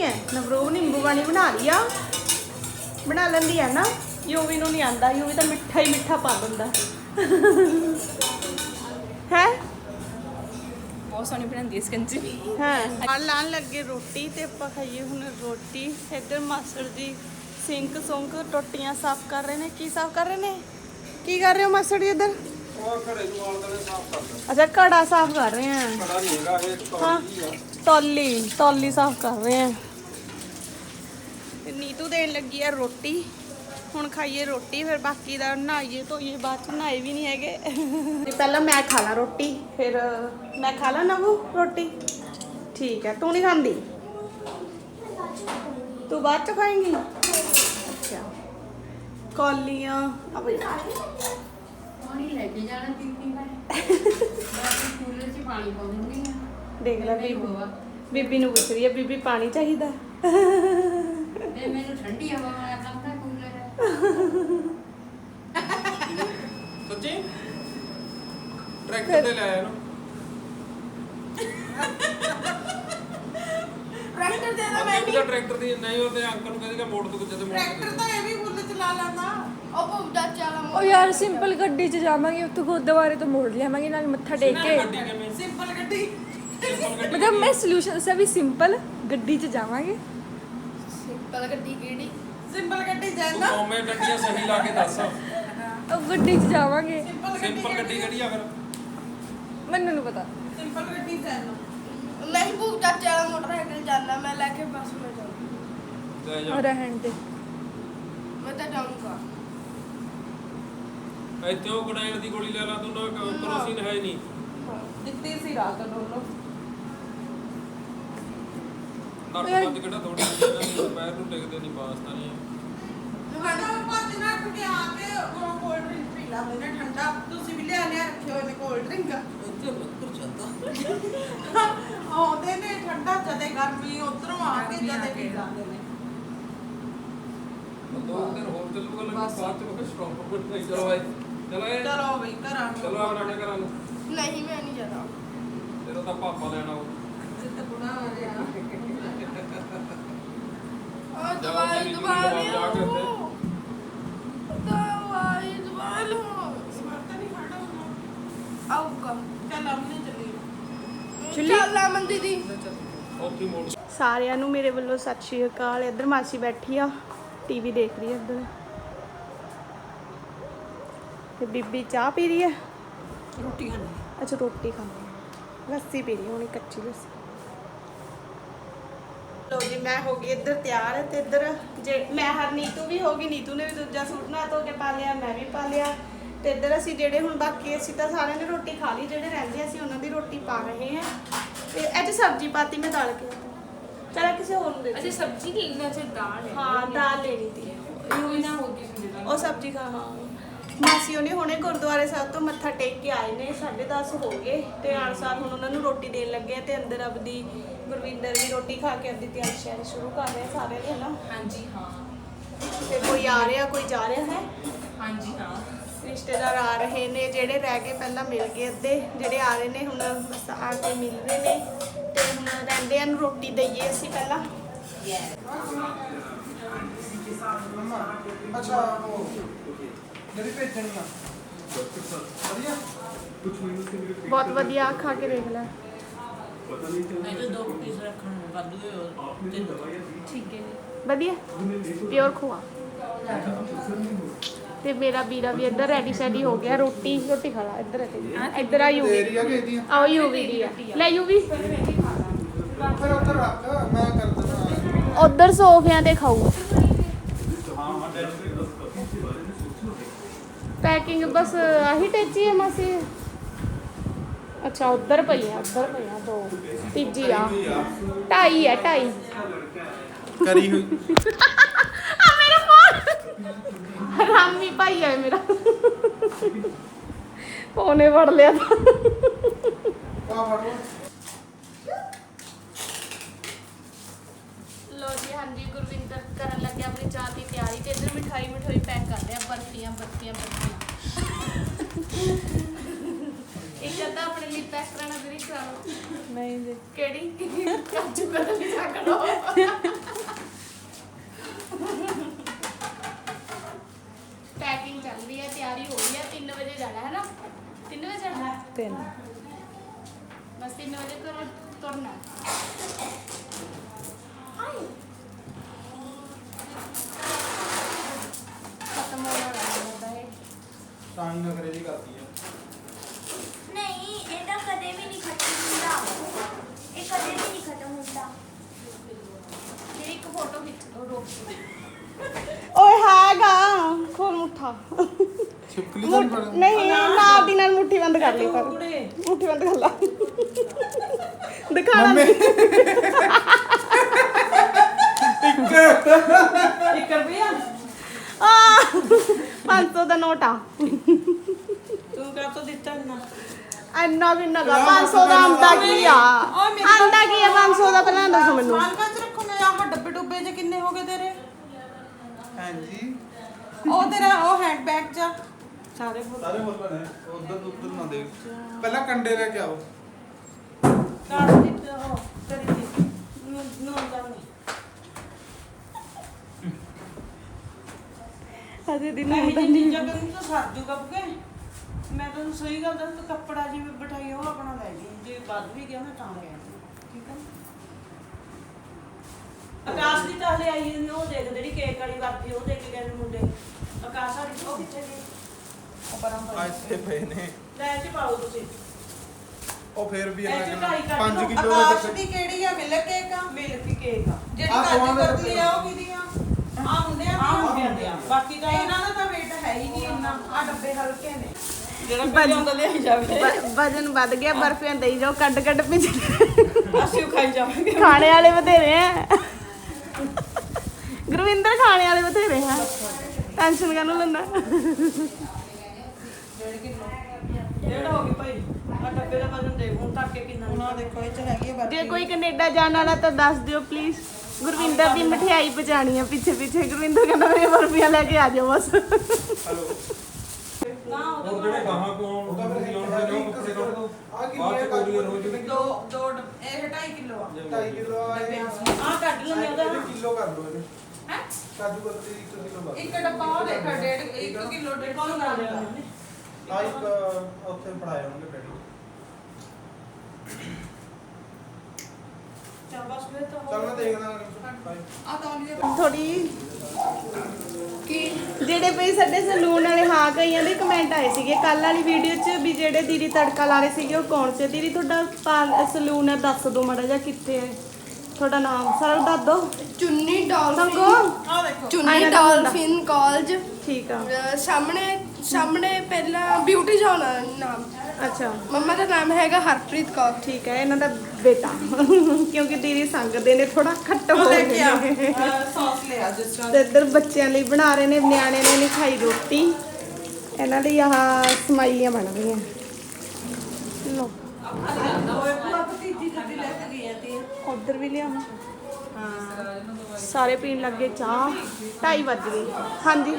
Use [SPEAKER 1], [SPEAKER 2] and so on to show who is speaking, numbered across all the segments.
[SPEAKER 1] है नवरूप नींबू पानी बना लिया बना लेंदी है ना यूवी नूं नहीं आंदा यूवी तो मिठा ही मिठा पा दिंदा है
[SPEAKER 2] बहुत सोहनी बनाती है ਸਕੰਜੀ
[SPEAKER 1] हाँ लान लगे रोटी ते आपां खाइए हुण रोटी इधर मास्टर जी सिंक सुंक टोटियां साफ कर रहे ने की साफ कर रहे ने की कर रहे हो मास्टर जी इधर अच्छा घड़ा साफ कर रहे हैं हाँ तौली तौली साफ कर रहे हैं नीतू देन लगी है रोटी ਹੁਣ ਖਾਈਏ ਰੋਟੀ ਫਿਰ ਬਾਕੀ ਦਾ ਨਹਾਈਏ ਧੋਈਏ ਬਾਅਦ ਚ ਨਹਾਏ ਵੀ ਨਹੀਂ ਹੈਗੇ ਪਹਿਲਾਂ ਮੈਂ ਖਾ ਲਾਂ ਰੋਟੀ ਫਿਰ ਮੈਂ ਖਾ ਲਾਂ ਨਵੂ ਰੋਟੀ ਠੀਕ ਹੈ ਤੂੰ ਨਹੀਂ ਖਾਂਦੀ ਤੂੰ ਬਾਅਦ ਚ ਖਾਏਂਗੀ ਅੱਛਾ ਕੌਲੀਆਂ
[SPEAKER 3] ਪਾਣੀ ਲੈ ਕੇ ਜਾਣਾ ਪੀਪੀ ਮੈਂ ਕੂਲਰ 'ਚ ਪਾਣੀ ਪਾ ਦਿੰਦੀ ਆ
[SPEAKER 1] ਦੇਖ ਲੈ ਬੀਬੀ ਨੂੰ ਪੁੱਛ ਰਹੀ ਹੈ ਬੀਬੀ ਪਾਣੀ ਚਾਹੀਦਾ
[SPEAKER 3] ਇਹ ਮੈਨੂੰ ਠੰਡੀ ਹਵਾ ਵਾਲਾ ਕੰਮ ਦਾ ਕੂਲਰ ਹੈ
[SPEAKER 4] ਸੱਚੀ ਟਰੈਕਟਰ ਤੇ ਲੈ ਆਇਆ ਨਾ
[SPEAKER 1] ਟਰੈਕਟਰ ਦੇ
[SPEAKER 4] ਨਾ ਮੈਂ ਵੀ ਟਰੈਕਟਰ ਦੀ ਨਹੀਂ ਉਹ ਤੇ ਅੰਕਲ ਨੂੰ ਕਹਿੰਦੇ ਮੋੜ ਤੋਂ ਜਦ ਮੋੜ
[SPEAKER 1] ਟਰੈਕਟਰ ਤਾਂ ਇਹ ਵੀ ਫੁੱਲ ਚਲਾ ਲੈਂਦਾ ਉਹ ਭੁੱਜਾ ਚਾਲਾ
[SPEAKER 2] ਉਹ ਯਾਰ ਸਿੰਪਲ ਗੱਡੀ 'ਚ ਜਾਵਾਂਗੇ ਉੱਥੋਂ ਗੁਰਦੁਆਰੇ ਤੋਂ ਮੋੜ ਲਿਆਵਾਂਗੇ ਨਾਲ ਮੱਥਾ ਟੇਕ ਕੇ
[SPEAKER 4] ਗੱਡੀ ਕਿਵੇਂ
[SPEAKER 1] ਸਿੰਪਲ ਗੱਡੀ
[SPEAKER 2] मतलब मैं सोल्यूशन से भी सिंपल गड्डी च जावांगे
[SPEAKER 3] ਸਿੰਪਲ ਗੱਡੀ ਕਿਹੜੀ
[SPEAKER 1] ਸਿੰਪਲ ਗੱਡੀ
[SPEAKER 4] ਤੂੰ
[SPEAKER 1] ਜਾਂਦਾ
[SPEAKER 4] ਕੌਮੇ ਗੱਡੀਆਂ ਸਹੀ ਲਾ ਕੇ ਦੱਸ
[SPEAKER 2] अब गड्डी च जावांगे
[SPEAKER 4] ਸਿੰਪਲ ਗੱਡੀ ਕਿਹੜੀ ਆ ਫਿਰ
[SPEAKER 2] मैनू नहीं पता
[SPEAKER 1] ਸਿੰਪਲ ਗੱਡੀ ਜਾਂਦਾ
[SPEAKER 3] ਨਹੀਂ ਭੂਜਾ ਚਾਲਾ ਮੋਟਰਸਾਈਕਲ ਜਾਂਦਾ ਮੈਂ ਲੈ ਕੇ ਬੱਸ में ਜਾਊਂ
[SPEAKER 4] ਲੈ ਜਾ
[SPEAKER 2] और रहन दे
[SPEAKER 3] ਮੈਂ ਤਾਂ ਜਾਊਂਗਾ
[SPEAKER 4] ਇੱਥੇ ਉਹ ਗੜਾਈਣ ਦੀ ਗੋਲੀ ਲੈ ਲਾ ਤੂੰ ਨਾ ਕਰੋਸੀਨ ਹੈ ਨਹੀਂ
[SPEAKER 1] ਦਿੱਤੀ ਸੀ ਰਾਤ ਨੂੰ
[SPEAKER 4] ਨੱਕ ਬੰਦ ਕਿਹੜਾ ਥੋੜੀ ਜਿਹੀ ਪੈਰ ਨੂੰ ਟਿਕਦੇ ਨਹੀਂ ਪਾਸਤਾ ਨਹੀਂ
[SPEAKER 1] ਤੁਹਾਡਾ ਪੰਜ ਨਾ ਕੇ ਆ ਕੇ ਉਹ ਕੋਲਡ ਡਰਿੰਕ ਪੀ ਲਾ ਮੈਨੇ ਠੰਡਾ ਤੁਸੀਂ ਵੀ ਲਿਆ ਰੱਖੇ ਹੋਏ ਨੇ ਕੋਲਡ ਡਰਿੰਕ
[SPEAKER 4] ਇੱਥੇ ਲੱਕੜ ਜਾਂਦਾ
[SPEAKER 1] ਆਉਂਦੇ ਨੇ ਠੰਡਾ ਜਦੇ ਗਰਮੀ ਉਧਰੋਂ ਆ ਕੇ ਜਦੇ ਪੀ ਜਾਂਦੇ ਨੇ
[SPEAKER 4] ਦੋ ਦਿਨ ਹੋਰ ਚੱਲੂਗਾ ਲੱਗਾ ਬਾਅਦ ਚ ਮੈਂ ਸਟਾਪ ਕਰ ਨਹੀਂ ਚਲੋ ਬਾਈ
[SPEAKER 1] ਚਲੋ ਬਈ ਘਰਾਂ ਨੂੰ
[SPEAKER 4] ਚਲੋ ਆਪਣੇ ਘਰਾਂ ਨੂੰ
[SPEAKER 3] ਨਹੀਂ ਮੈਂ ਨਹੀਂ ਜਾਣਾ
[SPEAKER 4] ਤੇਰਾ ਤਾਂ ਪਾਪਾ ਲੈਣਾ ਉਹ
[SPEAKER 1] ਜਿੱਤ ਬੁਣਾ ਹੋ ਰਿਹਾ
[SPEAKER 3] ਆ ਦਵਾਈ ਦਵਾਈ ਲੋ
[SPEAKER 1] ਸਮਰਤਾ ਨਹੀਂ ਖੜਾ ਹੁੰਦਾ
[SPEAKER 3] ਆਊਗਾ
[SPEAKER 1] ਚੱਲ ਅਮਨੇ ਚੱਲੀ
[SPEAKER 3] ਚੱਲ ਅਮਨ ਦੀਦੀ
[SPEAKER 4] ਉੱਥੇ ਮੋੜ
[SPEAKER 1] ਸਾਰਿਆਂ ਨੂੰ ਮੇਰੇ ਵੱਲੋਂ ਸਤਿ ਸ਼੍ਰੀ ਅਕਾਲ ਇੱਧਰ ਮਾਸੀ ਬੈਠੀ ਆ ਟੀਵੀ ਦੇਖ ਰਹੀ ਹੈ ਇੱਧਰ ਤੇ ਬੀਬੀ ਚਾਹ ਪੀ ਰਹੀ ਹੈ
[SPEAKER 2] रोटी खानी
[SPEAKER 1] ਅੱਛਾ ਰੋਟੀ ਖਾਂਦੀ ਹੈ ਲੱਸੀ ਪੀ ਰਹੀ ਹੋਣੀ ਕੱਚੀ ਲੱਸੀ ਲੋ ਜੀ ਮੈਂ ਹੋ ਗਈ ਇੱਧਰ ਤਿਆਰ ਤੇ ਇੱਧਰ ਜੇ ਮੈਂ ਹਰ ਨੀਤੂ ਵੀ ਹੋ ਗਈ ਨੀਤੂ ਨੇ ਵੀ ਦੂਜਾ ਸੂਟ ਨਾ ਧੋ ਕੇ ਪਾ ਲਿਆ ਮੈਂ ਵੀ ਪਾ ਲਿਆ ਤੇ ਇੱਧਰ ਅਸੀਂ ਜਿਹੜੇ ਹੁਣ ਬਾਕੀ ਅਸੀਂ ਤਾਂ ਸਾਰਿਆਂ ਨੇ ਰੋਟੀ ਖਾ ਲਈ ਜਿਹੜੇ ਰਹਿੰਦੇ ਅਸੀਂ ਉਹਨਾਂ ਦੀ ਰੋਟੀ ਪਾ ਰਹੇ ਹਾਂ ਤੇ ਅੱਜ ਸਬਜ਼ੀ ਪਾਤੀ ਮੈਂ ਦਾਲ ਕੇ ਚਲਾ ਕਿਸੇ ਹੋਰ ਨੂੰ ਦੇ
[SPEAKER 2] अच्छा सब्जी लेना चाहिए दाल है
[SPEAKER 1] ਹਾਂ ਦਾਲ ਲੈਣੀ ਤੀ
[SPEAKER 2] कोई ना होगी सुविधा
[SPEAKER 1] ਉਹ ਸਬਜ਼ੀ ਖਾ ਹਾਂ ਮਾਸੀ ਉਹਨੇ ਹੁਣੇ ਗੁਰਦੁਆਰੇ ਸਾਹਿਬ ਤੋਂ ਮੱਥਾ ਟੇਕ ਕੇ ਆਏ ਨੇ 10:30 ਹੋ ਗਏ ਤੇ ਆਨਸਾਰ ਹੁਣ ਉਹਨਾਂ ਨੂੰ ਰੋਟੀ ਦੇਣ ਲੱਗੇ ਆ ਤੇ ਅੰਦਰ ਆਪਦੀ ਗੁਰਵਿੰਦਰ ਵੀ ਰੋਟੀ ਖਾ ਕੇ ਆਪਦੀ ਤਿਆਰੀ ਸ਼ਿਆਰੀ ਸ਼ੁਰੂ ਕਰ ਰਹੇ ਸਾਰੇ ਨੇ ਨਾ
[SPEAKER 2] हाँ जी हाँ
[SPEAKER 1] ਤੇ ਕੋਈ ਆ ਰਿਹਾ ਕੋਈ ਜਾ ਰਿਹਾ ਹੈ
[SPEAKER 2] हाँ जी हाँ
[SPEAKER 1] ਰਿਸ਼ਤੇਦਾਰ ਆ ਰਹੇ ਨੇ ਜਿਹੜੇ ਰਹਿ ਗਏ ਪਹਿਲਾਂ ਮਿਲ ਗਏ ਅੱਧੇ ਜਿਹੜੇ ਆ ਰਹੇ ਨੇ ਹੁਣ ਬਸ ਆ ਕੇ ਮਿਲ ਰਹੇ ਨੇ ਤੇ ਹੁਣ ਰਹਿੰਦਿਆਂ ਨੂੰ ਰੋਟੀ ਦਈਏ ਅਸੀਂ ਪਹਿਲਾਂ
[SPEAKER 5] ਅੱਛਾ ਉਹ ਜਿਹੜੀ ਭੇਜਣੀ ਆ ਵਧੀਆ
[SPEAKER 1] ਬਹੁਤ ਵਧੀਆ ਖਾ ਕੇ ਦੇਖ ਲੈ
[SPEAKER 2] ठीक है
[SPEAKER 1] ਵਧੀਆ ਪਿਓਰ ਖੋਆ ਤੇ ਮੇਰਾ ਵੀਰਾ ਵੀ ਇੱਧਰ ਰੈਡੀ ਸ਼ੈਡੀ ਹੋ ਗਿਆ ਰੋਟੀ ਖਾ ਲਾ ਇੱਧਰ ਆ ਯੂਵੀ
[SPEAKER 5] ਏਰੀਆ ਕਿਹਦੀ ਆ
[SPEAKER 1] ਆਓ ਯੂਵੀ ਦੀ ਆ ਲੈ ਯੂਵੀ
[SPEAKER 5] ਫਿਰ ਉੱਧਰ ਰੱਖ ਮੈਂ ਕਰ ਦਿੰਦਾ
[SPEAKER 1] ਉਧਰ ਸੋਫਿਆਂ ਤੇ ਖਾਊ ਪੈਕਿੰਗ ਬਸ ਆਹੀ ਟੇਚੀ ਹੈ ਮਾਸੀ ਅੱਛਾ ਉਧਰ ਪਈਆਂ ਦੋ ਤੀਜੀ ਆ 2.5 ਹੈ 2.5
[SPEAKER 5] ਕਰੀ ਹੋਈ
[SPEAKER 1] ਆ ਮੇਰਾ ਫੋਨ ਰਾਮੀ ਭਾਈ ਹੈ ਮੇਰਾ ਫੋਨੇ ਵੜ ਲਿਆ ਤਾਂ
[SPEAKER 5] ਆ ਫੜੋ
[SPEAKER 1] ਲੋ ਜੀ ਹਾਂਜੀ ਗੁਰਵਿੰਦਰ ਕਰਨ ਲੱਗੇ ਆਪਣੀ ਚਾਹ ਦੀ ਤਿਆਰੀ ਤੇ ਇੱਧਰ ਮਿਠਾਈ ਪੈਕ ਕਰ ਲਿਆ ਬਰਫੀਆਂ ਇੱਕ ਅੱਧਾ ਆਪਣੇ ਲਈ ਪੈਕ ਕਰਾਣਾ ਵੀਰੇ ਕਰਾਓ
[SPEAKER 2] नहीं जी
[SPEAKER 1] ਕਿਹੜੀ ਕਾਜੂ ਕਤਲੀ ਚੱਕ ਲਓ ਅੰਗੂਠਾ
[SPEAKER 5] ਛਿਪਕਲੀ ਤਾਂ
[SPEAKER 1] ਮੁੱਠ- ਨਹੀਂ ਨਾਲ ਦੀ ਨਾਲ ਮੁੱਠੀ ਬੰਦ ਕਰ ਲਈ ਪਰ
[SPEAKER 3] ਕੁੜੇ
[SPEAKER 1] ਮੁੱਠੀ ਬੰਦ ਕਰ ਲਾ ਦਿਖਾਣਾ
[SPEAKER 3] 1 ਰੁਪਿਆ
[SPEAKER 1] ਆ 500 ਦਾ ਨੋਟ ਆ
[SPEAKER 3] ਤੂੰ ਕਾ ਤੋਂ ਦਿੱਤਾ ਨਾ
[SPEAKER 1] ਇੰਨਾ ਕਿੰਨਾ ਗਾ 500 ਦਾ ਆਂਦਾ ਕੀ ਆ ਆਂਦਾ ਕੀ ਆ 500 ਦਾ ਪਹਿਲਾਂ ਦੱਸੋ ਮੈਨੂੰ
[SPEAKER 3] ਮਾਲ ਕਾਚ ਰੱਖੋ ਮੈਂ ਆਹ ਡੱਬੇ ਡੁੱਬੇ ਜੇ ਕਿੰਨੇ ਹੋ ਗਏ ਤੇਰੇ
[SPEAKER 5] ਹਾਂਜੀ
[SPEAKER 3] ਉਹ ਤੇਰਾ ਉਹ ਹੈਂਡ ਬੈਗ ਚ ਸਾਰੇ
[SPEAKER 5] ਸਾਰੇ ਬੋਲ ਨੇ ਉਧਰ ਨਾ ਦੇ ਪਹਿਲਾਂ ਕੰਡੇ ਲੈ ਕੇ ਆਓ
[SPEAKER 3] ਕਾਟ ਦਿੱਤੇ ਉਹ ਕਰੀ ਦੀ ਨੋ ਲਾਉਣੀ
[SPEAKER 1] ਅਜੇ ਦਿਨ
[SPEAKER 3] ਨਹੀਂ ਜੀ ਚੀਜ਼ਾਂ ਕਰੀ ਤਾਂ ਸਰ ਜੂਗਾ ਬੁਕੇ ਮੈਂ ਤੁਹਾਨੂੰ ਸਹੀ ਗੱਲ ਦੱਸ ਤੂੰ ਕੱਪੜਾ ਜਿਵੇਂ ਬਿਠਾਈ ਉਹ ਆਪਣਾ ਲੈ ਲਈ ਜੇ ਵੱਧ ਵੀ ਗਿਆ ਨਾ ਤਾਂ ਲੈ ਆਈ ਠੀਕ ਹੈ ਆਕਾਸ਼ ਦੀ ਤਾਂ ਹਲੇ ਆਈ ਨਹੀਂ ਉਹ ਦੇਖ ਜਿਹੜੀ ਕੇਕ ਵਾਲੀ ਵਰਤੀ ਉਹ ਦੇ ਕੇ ਗਏ ਨੇ ਮੁੰਡੇ ਆਕਾਸ਼ ਵਾਲੀ ਉਹ ਕਿੱਥੇ ਗਈ ਉਹ ਪਰਾਂ
[SPEAKER 5] ਆ ਇੱਥੇ ਪਏ ਨੇ
[SPEAKER 3] ਲੈ ਚ ਪਾਓ ਤੁਸੀਂ
[SPEAKER 5] ਉਹ ਫੇਰ ਵੀ
[SPEAKER 3] ਇਹ
[SPEAKER 5] ਇਹਨਾਂ
[SPEAKER 3] ਚ
[SPEAKER 5] ਕਿੰਨਾ
[SPEAKER 3] ਢਾਈ ਕੱਢ
[SPEAKER 5] 5
[SPEAKER 3] ਲਓ।
[SPEAKER 5] ਕਿਲੋ
[SPEAKER 6] ਆਕਾਸ਼ ਦੀ ਕਿਹੜੀ ਆ ਮਿਲਕ ਕੇਕ ਆ
[SPEAKER 3] ਮਿਲਕ ਕੇਕ ਆ
[SPEAKER 6] ਜਿਹੜੀ
[SPEAKER 5] ਆਹ
[SPEAKER 6] ਕਾਜੂ
[SPEAKER 5] ਦੋਵਾਂ ਦੇ
[SPEAKER 6] ਕਤਲੀ ਆ ਉਹ ਕਿਹਦੀ ਆ ਆ ਮੁੰਡਿਆਂ
[SPEAKER 3] ਆ
[SPEAKER 6] ਦੀ
[SPEAKER 3] ਮੁੰਡਿਆਂ ਦੇ ਆ ਬਾਕੀ ਤਾਂ
[SPEAKER 6] ਇਹਨਾਂ ਦਾ ਤਾਂ weight ਹੈ ਹੀ ਨਹੀਂ ਇੰਨਾ ਆ ਡੱਬੇ ਹਲਕੇ ਨੇ
[SPEAKER 3] ਜਿਹੜਾ ਪਹਿਲੇ ਹੁੰਦਾ ਲਿਆਈ ਜਾਵੇ
[SPEAKER 1] ਵਜਨ ਵੱਧ ਗਿਆ ਬਰਫੀਆਂ ਦੇਈ ਜਾਓ ਕੱਢ ਕੱਢ ਪਿੱਛੇ
[SPEAKER 3] ਅਸੀਂ ਉਹ ਖਾਈ ਜਾਵਾਂਗੇ
[SPEAKER 1] ਖਾਣੇ ਵਾਲੇ ਬਥੇਰੇ ਆ ਗੁਰਵਿੰਦਰ ਖਾਣੇ ਵਾਲੇ ਬਥੇਰੇ ਆ ਟੈਨਸ਼ਨ ਕਾਹਨੂੰ ਲੈਂਦਾ
[SPEAKER 3] ਜਿਹੜਾ ਹੋ ਗਈ ਭਾਈ ਆ ਡੱਬੇ ਦਾ ਵਜ਼ਨ ਦੇ ਹੁਣ ਤੱਕ ਕੇ ਕਿੰਨਾ
[SPEAKER 6] ਉਹਨਾਂ ਦੇਖੋ ਇਹ ਚ ਹੈਗੀ ਆ
[SPEAKER 1] ਜੇ ਕੋਈ ਕੈਨੇਡਾ ਜਾਣ ਵਾਲਾ ਤਾਂ ਦੱਸ ਦਿਓ ਪਲੀਜ਼ ਗੁਰਵਿੰਦਰ ਦੀ ਮਠਿਆਈ ਪਹੁੰਚਾਣੀ ਆ ਪਿੱਛੇ ਪਿੱਛੇ ਗੁਰਵਿੰਦਰ ਕਹਿੰਦਾ ਮੇਰੇ ਬਰਫੀਆਂ ਲੈ ਕੇ ਆ ਜਾਓ ਬਸ
[SPEAKER 5] ਹਲੋ
[SPEAKER 3] ਨਾ
[SPEAKER 4] ਉਹ ਜਿਹੜੇ ਗਾਹਾਂ ਕੋਲ
[SPEAKER 5] ਉਹਦਾ ਫਿਰ
[SPEAKER 4] ਤੁਸੀਂ ਲਾਉਣ ਦੇ ਕੱਪੜੇ ਕੱਢ ਦੋ
[SPEAKER 5] ਆ ਕੀ
[SPEAKER 4] ਬਾਅਦ ਚ ਕੋਰੀਅਰ ਹੋ ਜੂਗੀ
[SPEAKER 6] ਦੋ ਇਹ 2.5 ਕਿਲੋ ਆ
[SPEAKER 5] 2.5 ਕਿਲੋ ਆ
[SPEAKER 3] ਆ ਕੱਢ ਲੈਂਦੇ ਉਹਦਾ
[SPEAKER 5] ਕਿਲੋ ਕਰ ਲਓ ਇਹਨੂੰ
[SPEAKER 6] ਹੈ
[SPEAKER 5] ਕਾਜੂ ਕਤਲੀ 1 ਕਿਲੋ ਬਸ
[SPEAKER 6] ਇੱਕ ਡੱਬਾ ਉਹ ਦੇਖ 1.5 ਕਿਲੋ 1.5
[SPEAKER 3] ਕੌਣ
[SPEAKER 6] ਕਿਲੋ
[SPEAKER 3] ਕਰ ਰਿਹਾ
[SPEAKER 5] ਆ ਇੱਕ ਉੱਥੇ ਫੜਾਏ ਹੋਣਗੇ ਡੈਡੀ
[SPEAKER 3] ਚਲ ਬਸ ਫਿਰ ਤਾਂ
[SPEAKER 5] ਚੱਲ ਮੈਂ ਦੇਖਦਾ ਬਾਈ
[SPEAKER 6] ਆ ਤੌਲੀਏ
[SPEAKER 1] ਥੋੜੀ
[SPEAKER 6] ਕੀ
[SPEAKER 1] ਜਿਹੜੇ ਪਈ ਸਾਡੇ ਸਲੂਨ ਵਾਲੇ ਹਾਂ ਕਈਆਂ ਦੇ ਕਮੈਂਟ ਆਏ ਸੀਗੇ ਕੱਲ ਵਾਲੀ ਵੀਡੀਓ 'ਚ ਵੀ ਜਿਹੜੇ ਦੀਦੀ ਤੜਕਾ ਲਾ ਰਹੇ ਸੀਗੇ ਉਹ ਕੌਣ ਸੀ ਦੀਦੀ ਤੁਹਾਡਾ ਸਲੂਨ ਹੈ ਦੱਸ ਦਿਓ ਮਾੜਾ ਜਿਹਾ ਕਿੱਥੇ ਹੈ ਤੁਹਾਡਾ ਨਾਮ ਸਾਰਾ ਦੱਸ ਦਿਓ
[SPEAKER 7] ਚੁੰਨੀ
[SPEAKER 1] ਸੰਗੋ
[SPEAKER 7] ਡਾਲਫਿਨ
[SPEAKER 3] ਆ ਦੇਖੋ
[SPEAKER 7] ਚੁੰਨੀ ਡਾਲਫਿਨ ਕਾਲਜ
[SPEAKER 1] ਠੀਕ ਆ
[SPEAKER 7] ਸਾਹਮਣੇ ਪਹਿਲਾਂ ਬਿਊਟੀ ਜ਼ੋਨ ਆ ਨਾਮ
[SPEAKER 1] ਅੱਛਾ
[SPEAKER 7] ਮੰਮਾ ਦਾ ਨਾਮ ਹੈਗਾ ਹਰਪ੍ਰੀਤ ਕੌਰ
[SPEAKER 1] ਠੀਕ ਹੈ ਇਹਨਾਂ ਦਾ ਬੇਟਾ ਕਿਉਂਕਿ ਦੀਦੀ ਸੰਗਦੇ ਨੇ ਥੋੜਾ ਖੱਟ ਹੋ
[SPEAKER 6] ਉਹ ਲੈ ਕੇ ਆ
[SPEAKER 1] ਗਏ
[SPEAKER 6] ਸੌਸ ਲਿਆ ਜਿਸ ਤਰ੍ਹਾਂ
[SPEAKER 1] ਤੇ ਇੱਧਰ ਬੱਚਿਆਂ ਲਈ ਬਣਾ ਰਹੇ ਨੇ ਨਿਆਣੇ ਨੇ ਨਹੀਂ ਖਾਈ ਰੋਟੀ ਇਹਨਾਂ ਲਈ ਆਹ ਸਮਾਈਆਂ ਬਣ ਰਹੀਆਂ ਲੋ
[SPEAKER 6] ਭਤੀਜੀ ਜੱਦੀ ਲੈ ਕੇ ਗਈ ਆ ਤੇ
[SPEAKER 1] ਉਧਰ ਵੀ ਲਿਆਵਾਂ ਹਾਂ ਸਾਰੇ ਪੀਣ ਲੱਗੇ ਚਾਹ 2:30 ਵੱਜ ਗਏ ਹਾਂਜੀ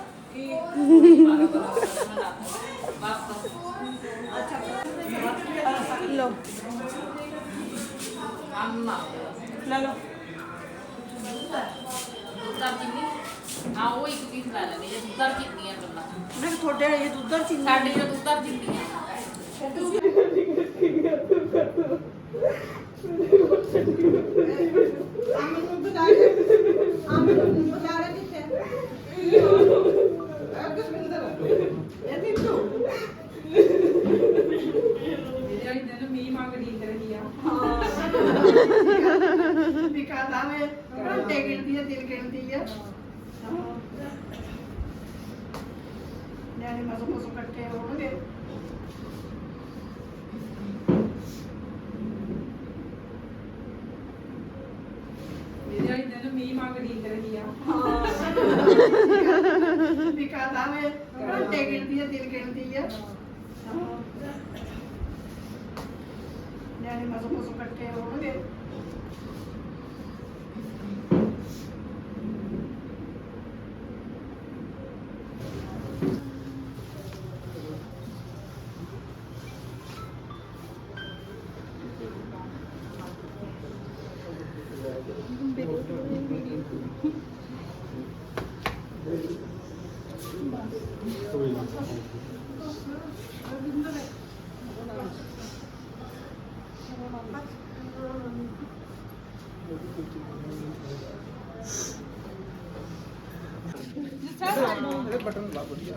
[SPEAKER 1] ਲੋ
[SPEAKER 3] ਲੈ ਲਓ
[SPEAKER 8] ਦੁੱਧਰ ਚੀਨੀ ਹਾਂ ਉਹ ਇੱਕ ਪੀਸ ਲੈ ਲੈਣੀ ਜੇ ਦੁੱਧਰ ਚੀਨੀਆਂ ਗੱਲਾਂ
[SPEAKER 3] ਮੇਰੇ ਤੁਹਾਡੇ ਇਹ ਦੁੱਧਰ ਚੀਨੀ
[SPEAKER 8] ਸਾਡੇ ਜੋ ਦੁੱਧਰ ਚੀਨੀਆਂ
[SPEAKER 5] ਇਹਦੇ ਬਟਨ ਲਾ ਵਧੀਆ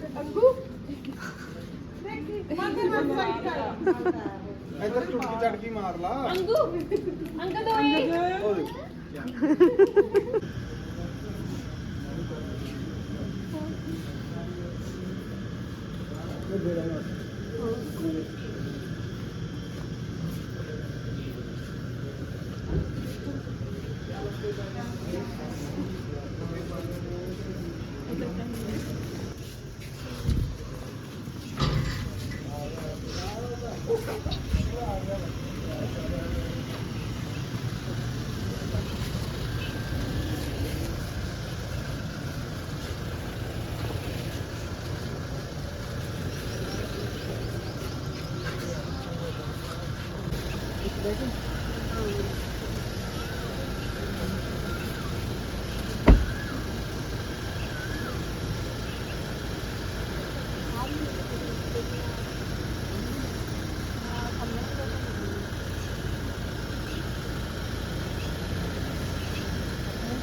[SPEAKER 5] ਇੱਧਰ ਚੁਟਕੀ ਚੜਕੀ ਮਾਰ ਲਾ
[SPEAKER 2] ਅੰਕਲ ਦੋਏ
[SPEAKER 5] ਉਹ ਦੇਖ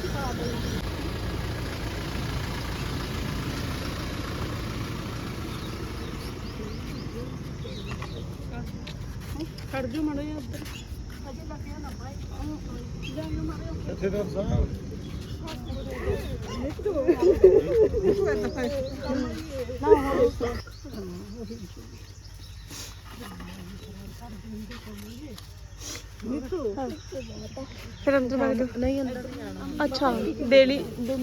[SPEAKER 1] ਖਾ ਦੇਣਾ। ਖੜ ਜਾ ਮੜੋ ਯਾਰ ਉੱਧਰ ਅਜੇ ਲੱਗਿਆ ਨਾ ਭਾਈ ਜਾਨ ਮਾਰੇ
[SPEAKER 5] ਜਥੇਦਾਰ ਸਾਹਿਬ
[SPEAKER 1] ਫਿਰ ਅੰਦਰ ਵਗ ਨਹੀਂ ਅੰਦਰ ਅੱਛਾ ਡੇਲੀ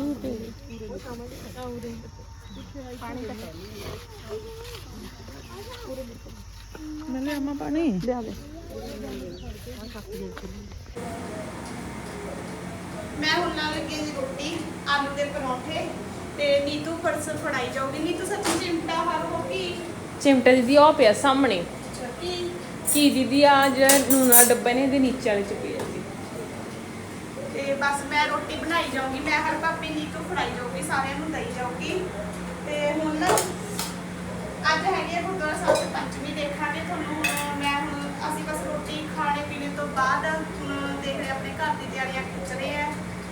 [SPEAKER 1] ਮੈਂ ਲੈ ਆਮਾ ਪਾਣੀ ਲਿਆ ਦੇ। ਮੈਂ ਹੁਣ ਨਾਲ ਲੱਗੀ ਜੀ ਰੋਟੀ ਆਲੂ ਦੇ ਪਰੌਂਠੇ ਤੇ ਨੀਤੂ ਫਰਸਰ ਫੜਾਈ ਜਾਊਗੀ। ਨੀਤੂ ਸੱਚੀ ਚਿਮਟਾ ਹਰ ਹੋ ਗਈ
[SPEAKER 2] ਚਿਮਟਾ ਦੀਦੀ ਉਹ ਪਿਆ ਸਾਹਮਣੇ
[SPEAKER 1] ਕੀ
[SPEAKER 2] ਕੀ ਦੀਦੀ ਆ ਜਿਹੜਾ ਨੂਨ ਵਾਲਾ ਡੱਬਾ ਨੇ ਇਹਦੇ ਨੀਚੇ ਵਾਲੇ ਚ ਪਿਆ ਸੀ।
[SPEAKER 1] ਤੇ ਬਸ ਮੈਂ ਰੋਟੀ ਬਣਾਈ ਜਾਊਂਗੀ। ਮੈਂ ਹਰ ਪਾਪੀ ਨੀਤੂ ਫੜਾਈ ਜਾਊਗੀ, ਸਾਰਿਆਂ ਨੂੰ ਦਈ ਜਾਊਗੀ। ਤੇ ਹੁਣ ਨਾ ਅੱਜ ਹੈਗੀ ਆ ਗੁਰਦੁਆਰਾ ਸਾਹਿਬ ਦੀ ਪੰਚਮੀ ਦੇਖਾਂਗੇ ਤੁਹਾਨੂੰ। ਮੈਂ ਹੁਣ ਅਸੀਂ ਬਸ ਰੋਟੀ ਖਾਣੇ ਪੀਣੇ ਤੋਂ ਬਾਅਦ ਹੁਣ ਦੇਖ ਰਹੇ ਆਪਣੇ ਘਰ ਦੀ ਤਿਆਰੀਆਂ ਖਿੱਚ ਰਹੇ ਆ।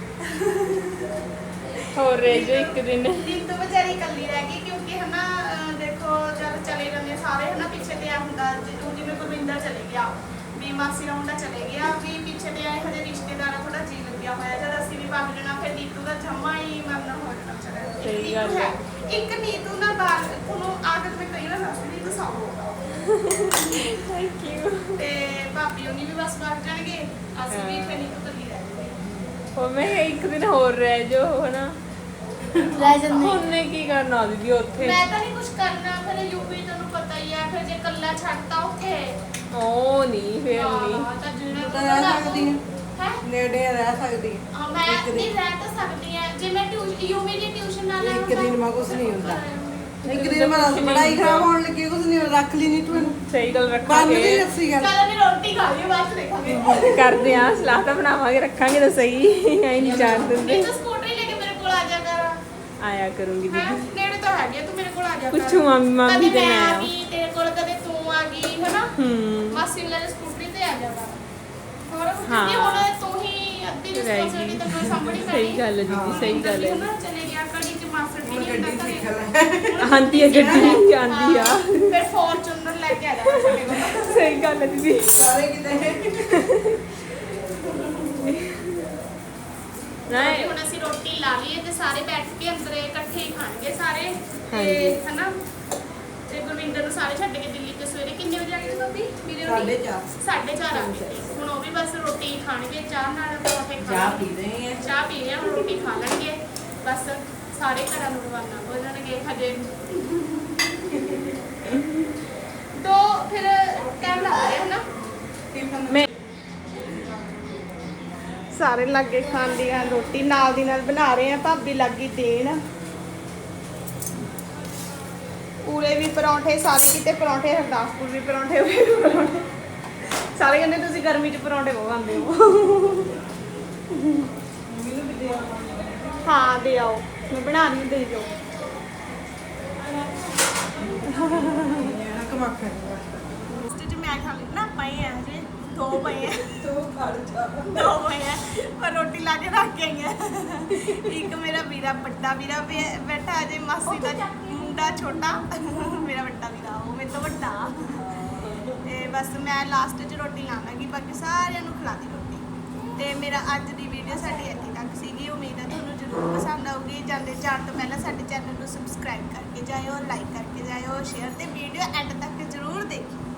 [SPEAKER 2] ਹੋਰ ਰਹਿ ਜੋ ਇੱਕ ਦਿਨ
[SPEAKER 1] ਨੀਤੂ ਵਿਚਾਰੀ ਇਕੱਲੀ ਰਹਿ ਗਈ ਕਿਉਂਕਿ ਹਨਾ ਦੇਖੋ ਜਦ ਚਲੇ ਜਾਂਦੇ ਸਾਰੇ ਹਨਾ ਪਿੱਛੇ ਤੇ ਆ ਹੁੰਦਾ ਜਿਵੇਂ ਗੁਰਵਿੰਦਰ ਚਲੇ ਗਿਆ ਵੀ ਮਾਸੀ ਦਾ ਮੁੰਡਾ ਚਲੇ ਗਿਆ ਵੀ ਪਿੱਛੇ ਤੇ ਆਏ ਹਜੇ ਰਿਸ਼ਤੇਦਾਰਾਂ ਥੋੜਾ ਜੀ ਲੱਗਿਆ ਹੋਇਆ ਜਦ ਅਸੀਂ ਵੀ ਭੱਜ ਜਾਣਾ ਫਿਰ ਨੀਤੂ ਦਾ ਜਮਾ ਹੀ ਮਨ ਹੋ ਜਾਣਾ ਚੜਾ।
[SPEAKER 2] ਸਹੀ ਗੱਲ ਹੈ।
[SPEAKER 1] ਇੱਕ ਨੀਤੂ ਨਾਲ ਬਾਹਰ ਤੁਹਾਨੂੰ ਆਦਤ ਮੈਂ ਕਈ ਵਾਰ ਦੱਸਦੀ ਨੀਤੂ ਸੌਂ
[SPEAKER 2] ਥੈਂਕ ਯੂ।
[SPEAKER 1] ਤੇ ਭਾਬੀ ਉਹਨੀ ਵੀ ਬਸ ਭੱਜ ਜਾਣਗੇ ਅਸੀਂ ਵੀ ਫਿਰ ਨੀਤੂ ਇਕੱਲੀ ਰਹਿ ਜਾਵਾਂਗੇ।
[SPEAKER 2] ਉਹ ਮੈਂ ਕਿਹਾ ਇੱਕ ਦਿਨ ਹੋਰ ਰਹਿ ਜੋ ਹਨਾ
[SPEAKER 7] ਲੈ ਜਾਂਦੇ
[SPEAKER 2] ਉਹਨੇ ਕੀ ਕਰਨਾ ਦੀਦੀ ਉੱਥੇ।
[SPEAKER 1] ਮੈਂ ਤਾਂ ਨਹੀਂ ਕੁਝ ਕਰਨਾ ਫਿਰ ਯੂਪੀ ਤੁਹਾਨੂੰ ਪਤਾ ਹੀ ਹੈ ਫਿਰ ਜੇ ਇਕੱਲਾ ਛੱਡਤਾ ਉੱਥੇ
[SPEAKER 2] ਉਹ ਨਹੀਂ ਫਿਰ ਨਹੀਂ
[SPEAKER 1] ਤਾਂ ਜਿਹੜਾ
[SPEAKER 6] ਤਾਂ ਰਹਿ ਸਕਦੀ ਹੈ
[SPEAKER 1] ਹੈ
[SPEAKER 6] ਨੇੜੇ ਰਹਿ ਸਕਦੀ ਹੈ
[SPEAKER 1] ਹਾਂ ਮੈਂ ਨਹੀਂ ਰਹਿ ਤਾਂ ਸਕਦੀ ਆ ਜੇ ਮੈਂ ਯੂਮੀ ਦੀ ਟਿਊਸ਼ਨ ਨਾਲ
[SPEAKER 6] ਇੱਕ ਦਿਨ ਮਾ ਕੁਛ ਨਹੀਂ ਹੁੰਦਾ। ਇੱਕ ਦਿਨ ਮਾ ਪੜਾਈ ਖਰਾਬ ਹੋਣ ਲੱਗੀ ਕੁਛ ਨਹੀਂ ਰੱਖ ਲਈ ਨਹੀਂ ਤੂੰ ਇਹਨੂੰ
[SPEAKER 2] ਸਹੀ ਗੱਲ
[SPEAKER 6] ਬੰਦ
[SPEAKER 2] ਰੱਖਾਂਗੇ
[SPEAKER 6] ਨਹੀਂ ਰੱਸੀ ਗੱਲ
[SPEAKER 1] ਕੱਲ ਵੀ ਰੋਟੀ ਖਾ ਲਈ ਬਾਅਦ ਚ ਦੇਖਾਂਗੇ।
[SPEAKER 2] ਕਰਦੇ ਆ ਸਲਾਹ ਤਾਂ ਬਣਾਵਾਂਗੇ ਰੱਖਾਂਗੇ ਤਾਂ ਸਹੀ ਐ ਨਹੀਂ ਜਾਣ ਦਿੰਦੇ।
[SPEAKER 1] ਨਹੀਂ ਤਾਂ ਸਕੂਟਰੀ ਲੈ ਕੇ ਮੇਰੇ ਕੋਲ ਆ ਜਾ ਕਰ
[SPEAKER 2] ਆਇਆ ਕਰੂੰਗੀ
[SPEAKER 1] ਹੈ
[SPEAKER 2] ਦੀਦੀ
[SPEAKER 1] ਨੇੜੇ ਤਾਂ ਹੈਗੀ ਤੂੰ ਮੇਰੇ ਕੋਲ ਆ ਜਾ ਕਰ
[SPEAKER 2] ਪੁੱਛੂ ਮਾਮੀ
[SPEAKER 1] ਕਦੇ
[SPEAKER 2] ਤੇ
[SPEAKER 1] ਮੈਂ
[SPEAKER 2] ਮੈਂ
[SPEAKER 1] ਆ ਗਈ ਤੇਰੇ ਕੋਲ ਕਦੇ ਤੂੰ ਆ ਗਈ ਹਨਾ ਮਾਸੀ ਨੂੰ ਲੈ ਕੇ ਸਕੂਟਰੀ ਤੇ ਆ ਜਾ ਕਰ ਹੋਰ ਕਿਉਂਕਿ ਹੁਣ ਤੂੰ ਹੀ ਅੱਧੀ ਰਿਸਪੌਂਸਿਬਿਲਟੀ ਤਾਂ ਮੈਂ ਸਾਂਭਣੀ ਪੈਣੀ।
[SPEAKER 2] ਸਹੀ ਗੱਲ ਹੈ ਦੀਦੀ ਸਹੀ ਗੱਲ ਹੈ।
[SPEAKER 1] ਨਾ ਚਲੇ ਗਿਆ ਕੜੀ ਚ ਮਾਸੜ ਵੀ
[SPEAKER 6] ਹੁਣ
[SPEAKER 1] ਨਹੀਂ
[SPEAKER 6] ਗੱਡੀ
[SPEAKER 1] ਹੁੰਦਾ
[SPEAKER 6] ਸਿੱਖ
[SPEAKER 1] ਘਰੇ।
[SPEAKER 6] ਲੈ
[SPEAKER 2] ਆਂਦੀ ਹੈ ਗੱਡੀ ਆਂਦੀ ਆ
[SPEAKER 1] ਫਿਰ ਫੋਰਚੂਨਰ ਲੈ ਕੇ ਆ ਜਾਣਾ ਸਾਡੇ ਕੋਲ।
[SPEAKER 2] ਸਹੀ ਗੱਲ ਹੈ ਦੀਦੀ।
[SPEAKER 6] ਸਾਰੇ ਕਿਤੇ
[SPEAKER 1] ਤੇ ਹੁਣ ਅਸੀਂ ਰੋਟੀ ਲਾ ਲਈਏ ਤੇ ਸਾਰੇ ਬੈਠ ਕੇ ਅੰਦਰ ਇਕੱਠੇ ਹੀ ਖਾਣਗੇ ਸਾਰੇ ਤੇ ਹਨਾ ਤੇ ਗੁਰਵਿੰਦਰ ਨੂੰ ਸਾਰੇ ਛੱਡ ਕੇ ਦਿੱਲੀ ਤੇ ਸਵੇਰੇ ਕਿੰਨੇ ਵਜੇ ਆ ਗਏ ਭਾਬੀ ਵੀਰੇ ਰੋਟੀ 4:30 ਆ ਗਏ ਹੁਣ ਉਹ ਵੀ ਬਸ ਰੋਟੀ ਖਾਣਗੇ ਚਾਹ ਨਾਲ ਪਰੌਂਠੇ
[SPEAKER 6] ਚਾਹ
[SPEAKER 1] ਖਾਣਗੇ
[SPEAKER 6] ਪੀ ਰਹੇ ਆ
[SPEAKER 1] ਚਾਹ ਪੀ ਰਹੇ ਹੁਣ ਰੋਟੀ ਖਾ ਲੈਣਗੇ ਬਸ ਸਾਰੇ ਘਰਾਂ ਨੂੰ ਰਵਾਨਾ ਹੋ ਜਾਣਗੇ ਹਜੇ ਤੋਂ ਫਿਰ ਟਾਈਮ ਲੱਗ ਰਿਹਾ ਹੈ ਨਾ
[SPEAKER 2] ਮੈਂ
[SPEAKER 1] ਸਾਰੇ ਲੱਗੇ ਖਾਣ ਦੀ ਆ ਰੋਟੀ ਨਾਲ ਦੀ ਨਾਲ ਬਣਾ ਰਹੇ ਆ ਭਾਬੀ ਲੱਗੀ ਦੇਣ ਪੂਰੇ ਵੀ ਪਰੌਂਠੇ ਸਾਰੇ ਕਿਤੇ ਪਰੌਂਠੇ ਹਰਦਾਸਪੁਰ ਵੀ ਪਰੌਂਠੇ ਹੋਏ ਵੀ ਪਰੌਂਠੇ ਸਾਰੇ ਕਹਿੰਦੇ ਤੁਸੀਂ ਗਰਮੀ 'ਚ ਪਰੌਂਠੇ ਬਹੁਤ ਖਾਂਦੇ ਹੋ। ਹਾਂ ਦੇ ਆਓ ਮੈਂ ਬਣਾ ਰਹੀ ਦੇ ਜਾਓ
[SPEAKER 6] ਕਮਾਖਾ
[SPEAKER 1] ਸਟੇਜ ਮੈਂ ਖਾ ਲਈ ਨਾ ਪਏ ਆ ਹਜੇ ਦੋ ਪਏ ਆ
[SPEAKER 6] ਤੂੰ ਖੜ ਜਾ
[SPEAKER 1] ਦੋ ਪਏ ਆ ਪਰ ਰੋਟੀ ਲਾ ਕੇ ਰੱਖ ਕੇ ਆਈ ਆ ਇੱਕ ਮੇਰਾ ਵੀਰਾ ਵੱਡਾ ਵੀਰਾ ਬੈਠਾ ਅਜੇ ਮਾਸੀ ਦਾ ਮੁੰਡਾ ਛੋਟਾ ਮੇਰਾ ਵੱਡਾ ਵੀਰਾ ਉਹ ਮੇਰੇ ਤੋਂ ਵੱਡਾ ਤੇ ਬਸ ਮੈਂ ਲਾਸਟ 'ਚ ਰੋਟੀ ਲਾਵਾਂਗੀ ਬਾਕੀ ਸਾਰਿਆਂ ਨੂੰ ਖਿਲਾਤੀ ਰੋਟੀ ਤੇ ਮੇਰਾ ਅੱਜ ਦੀ ਵੀਡੀਓ ਸਾਡੀ ਇੱਥੇ ਤੱਕ ਸੀਗੀ ਉਮੀਦ ਹੈ ਤੁਹਾਨੂੰ ਜ਼ਰੂਰ ਪਸੰਦ ਆਊਗੀ ਜਾਂਦੇ ਜਾਣ ਤੋਂ ਪਹਿਲਾਂ ਸਾਡੇ ਚੈਨਲ ਨੂੰ ਸਬਸਕ੍ਰਾਈਬ ਕਰਕੇ ਜਾਇਓ ਲਾਈਕ ਕਰਕੇ ਜਾਇਓ ਸ਼ੇਅਰ ਤੇ ਵੀਡੀਓ ਐਂਡ ਤੱਕ ਜ਼ਰੂਰ ਦੇਖਿਓ।